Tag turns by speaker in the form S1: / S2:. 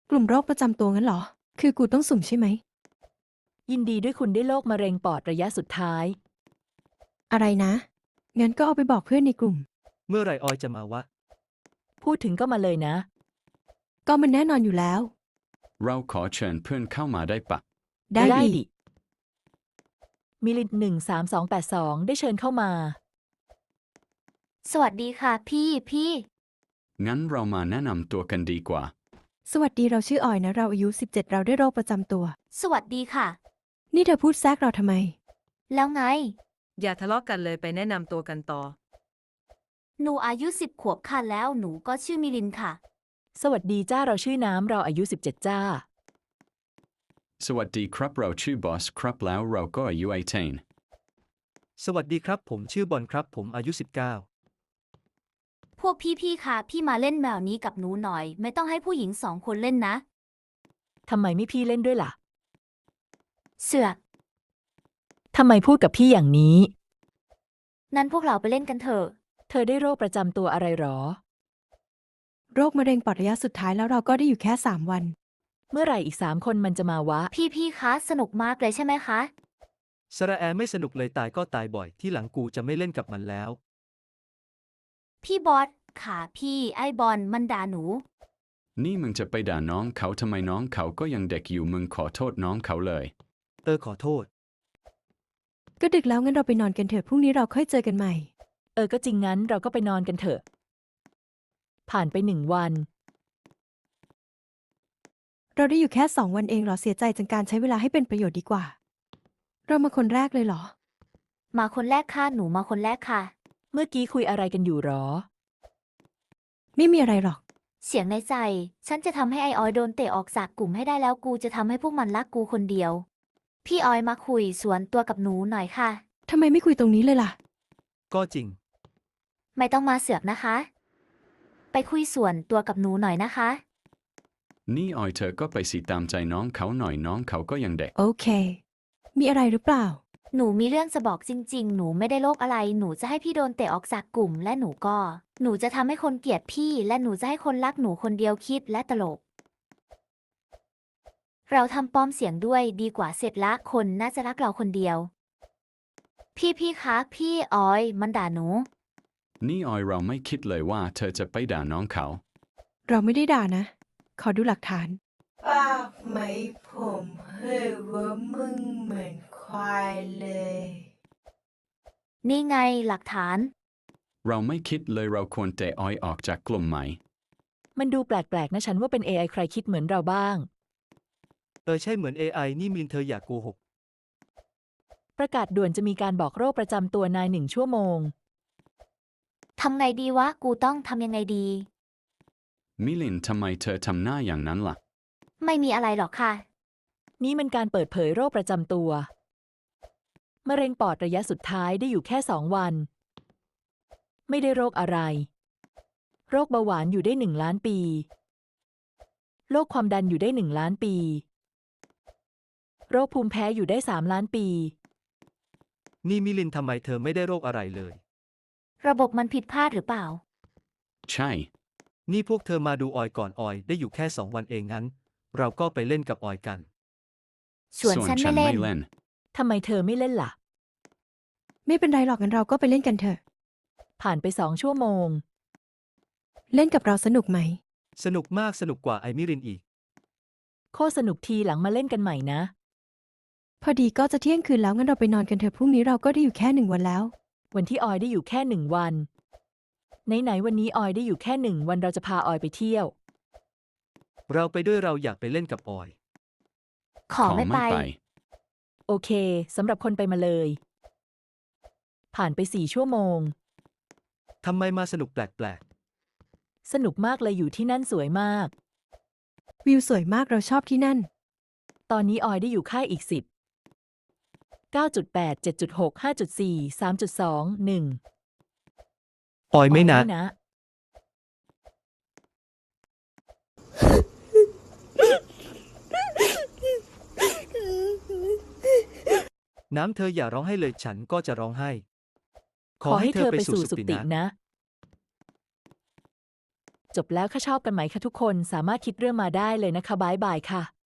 S1: กลุ่มโรคประจำตัวงั้นเหรอ คือกูต้องสุ่มใช่ไหม
S2: ยินดีด้วยคุณได้โรคมะเร็งปอดระยะสุดท้าย
S1: อะไรนะ งั้นก็เอาไปบอกเพื่อนในกลุ่ม
S3: เมื่อไหร่ออยจะมาวะ
S2: พูดถึงก็มาเลยนะ
S1: ก็มันแน่นอนอยู่แล้ว
S4: เราขอเชิญเพื่อนเข้ามาได้ปะ
S1: ได้
S2: ได้
S1: ดิ
S2: ดิ มิลิน13282ได้เชิญเข้ามา
S5: สวัสดีค่ะพี่
S4: งั้นเรามาแนะนำตัวกันดีกว่า
S1: สวัสดีเราชื่อออยนะ เราอายุ 17 เราได้โรคประจำตัว
S5: สวัสดีค่ะ
S1: นี่เธอพูดแทรกเราทำไม
S5: แล้วไง
S6: อย่าทะเลาะกันเลยไปแนะนำตัวกันต่อ
S5: หนูอายุ10 ขวบค่ะแล้วหนูก็ชื่อมิลินค่ะ
S2: สวัสดีจ้าเราชื่อน้ำเราอายุ17จ้า
S4: สวัสดีครับเราชื่อบอสครับแล้วเราก็อายุ18
S3: สวัสดีครับผมชื่อบอลครับผมอายุ
S5: พวกพี่ค่ะพี่มาเล่นแมวนี้กับหนูหน่อย ไม่ต้องให้ผู้หญิง2 คนเล่นนะ
S2: ทำไมไม่พี่เล่นด้วยล่ะ
S5: เสือก
S2: ทำไมพูดกับพี่อย่างนี้
S5: นั้นพวกเราไปเล่นกันเถอะ
S2: เธอได้โรคประจำตัวอะไรหรอ
S1: โรคมะเร็งปอดระยะสุดท้ายแล้วเราก็ได้อยู่แค่ 3 วัน
S2: เมื่อไหร่อีก3 คนมันจะมาวะ
S5: พี่คะสนุกมากเลยใช่ไหมคะ
S3: 19สระแอไม่สนุกเลยตายก็ตายบ่อยที่หลังกูจะไม่เล่นกับมันแล้ว
S5: พี่บอสค่ะพี่ไอ้บอลมันด่าหนู
S4: นี่มึงจะไปด่าน้องเขาทำไมน้องเขาก็ยังเด็กอยู่มึงขอโทษน้องเขาเลย
S3: ขอโทษ
S1: ก็ดึกแล้วงั้นเราไปนอนกันเถอะพรุ่งนี้เราค่อยเจอกันใหม่
S2: ก็จริงงั้นเราก็ไปนอนกันเถอะ ผ่านไป1 วัน
S1: เราได้อยู่แค่ 2 วันเองเหรอเสียใจจังการใช้เวลาให้เป็นประโยชน์ดีกว่า เรามาคนแรกเลยเหรอ
S5: มาคนแรกค่ะหนูมาคนแรกค่ะ
S2: เมื่อกี้คุยอะไรกันอยู่หรอ
S1: ไม่มีอะไรหรอก
S5: เสียงในใจ ฉันจะทำให้ไอออยโดนเตะออกจากกลุ่มให้ได้แล้วกูจะทำให้พวกมันรักกูคนเดียว พี่ออยมาคุยสวนตัวกับหนูหน่อยค่ะ
S1: ทำไมไม่คุยตรงนี้เลยล่ะ
S3: ก็จริง
S5: ไม่ต้องมาเสือกนะคะ ไปคุยส่วนตัวกับหนูหน่อยนะคะ
S4: นี่ออยเธอก็ไปสิตามใจน้องเขาหน่อยน้องเขาก็ยังเด็ก
S1: โอเค มีอะไรหรือเปล่า
S5: หนูมีเรื่องจะบอกจริง ๆ หนูไม่ได้โรคอะไร หนูจะให้พี่โดนเตะออกจากกลุ่ม และหนูจะทำให้คนเกลียดพี่ และหนูจะให้คนรักหนูคนเดียวคิดและตลก เราทำปลอมเสียงด้วยดีกว่าเสร็จละคนน่าจะรักเราคนเดียว พี่คะพี่ออยมันด่าหนู
S4: นี่ออยเราไม่คิดเลยว่าเธอจะไปด่าน้องเขา
S1: เราไม่ได้ด่านะ ขอดูหลักฐาน
S7: ป้าไหมผมเฮ้ยว่ามึงเหมือนควายเลย
S5: นี่ไงหลักฐาน
S4: เราไม่คิดเลยเราควรเตะออยออกจากกลุ่มไหม
S2: มันดูแปลกๆนะฉันว่าเป็น AI ใครคิดเหมือนเราบ้าง
S3: ใช่เหมือน AI นี่มินเธออย่าโกหก
S2: ประกาศด่วนจะมีการบอกโรคประจำตัวนาย1 ชั่วโมง
S5: ทำไงดีวะ กูต้องทำยังไงดี
S4: มิลินทำไมเธอทำหน้าอย่างนั้นล่ะ
S5: ไม่มีอะไรหรอกค่ะ
S2: นี่มันการเปิดเผยโรคประจำตัว มะเร็งปอดระยะสุดท้ายได้อยู่แค่2 วัน ไม่ได้โรคอะไร โรคเบาหวานอยู่ได้1 ล้านปี โรคความดันอยู่ได้1 ล้านปี โรคภูมิแพ้อยู่ได้3 ล้านปี
S3: นี่มิลินทำไมเธอไม่ได้โรคอะไรเลย
S5: ระบบมันผิดพลาดหรือเปล่า
S4: ใช่
S3: นี่พวกเธอมาดูออยก่อนออยได้อยู่แค่2 วันเองงั้น เราก็ไปเล่นกับออยกัน
S5: ส่วนฉันไม่เล่น
S4: ไม่เล่น
S2: ทำไมเธอไม่เล่นล่ะ
S1: ไม่เป็นไรหรอกงั้นเราก็ไปเล่นกันเถอะ
S2: ผ่านไป2 ชั่วโมง
S1: เล่นกับเราสนุกไหม
S3: สนุกมากสนุกกว่าไอมิรินอีก
S2: โคตรสนุกทีหลังมาเล่นกันใหม่นะ
S1: พอดีก็จะเที่ยงคืนแล้วงั้นเราไปนอนกันเถอะพรุ่งนี้เราก็ได้อยู่แค่ 1 วันแล้ว
S2: วันที่ออยได้อยู่แค่1 วัน ไหนๆวันนี้ออยได้อยู่แค่1 วันเราจะพาออยไปเที่ยว
S3: เราไปด้วยเราอยากไปเล่นกับออย
S5: ขอไม่ไป
S2: โอเคสำหรับคนไปมาเลย ผ่านไป4 ชั่วโมง
S3: ทำไมมาสนุกแปลก
S2: สนุกมากเลยอยู่ที่นั่นสวยมาก
S1: วิวสวยมากเราชอบที่นั่น
S2: ตอนนี้ออยได้อยู่ค่ายอีก10 9.8 7.6 5.4 3.2 1
S3: ๆ ออยไม่นะ น้ำเธออย่าร้องให้เลยฉันก็จะร้องไห้ ขอให้เธอไปสู่สุคตินะ
S2: นะจบแล้วค่ะชอบกันไหมคะทุกคนสามารถคิดเรื่องมาได้เลยนะคะบายบายค่ะ